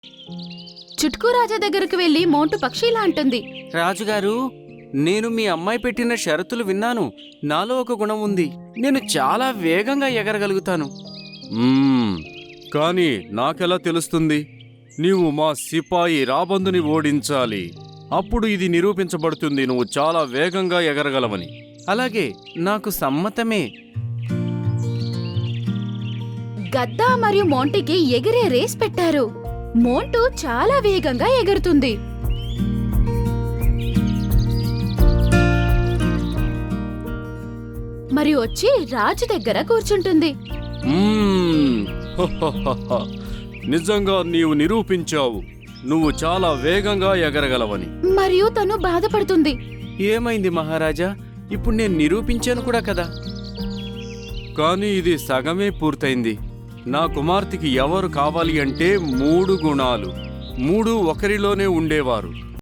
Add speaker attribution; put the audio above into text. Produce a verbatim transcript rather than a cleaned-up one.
Speaker 1: చుట్కూ రాజా దగ్గరకు వెళ్లి మోంటు పక్షి ఇలా అంటుంది.
Speaker 2: రాజుగారు, నేను మీ అమ్మాయి పెట్టిన షరతులు విన్నాను. నాలో ఒక గుణం ఉంది. నేను చాలా వేగంగా ఎగరగలుగుతాను.
Speaker 3: మ్మ్, కానీ నాకెలా తెలుస్తుంది? నీవు మా సిపాయి రాబందుని ఓడించాలి. అప్పుడు ఇది నిరూపించబడుతుంది నువ్వు చాలా వేగంగా ఎగరగలవని.
Speaker 2: అలాగే, నాకు సమ్మతమే.
Speaker 1: గద్దా మరియు మోంటికి ఎగిరే రేస్ పెట్టారు. మోంటు చాలా వేగంగా ఎగురుతుంది. మరియు వచ్చి రాజు దగ్గర కూర్చుంటుంది.
Speaker 3: మ్మ్, హహహహ. నిజంగా నీవు నిరూపించావు నువ్వు చాలా వేగంగా ఎగరగలవని.
Speaker 1: మరియు తను బాధపడుతుంది.
Speaker 2: ఏమైంది మహారాజా? ఇప్పుడు నేను నిరూపించాను కూడా కదా.
Speaker 3: కానీ ఇది సగమే పూర్తయింది. నా కుమార్తెకి ఎవరు కావాలి అంటే మూడు గుణాలు, మూడు ఒకరిలోనే ఉండేవారు.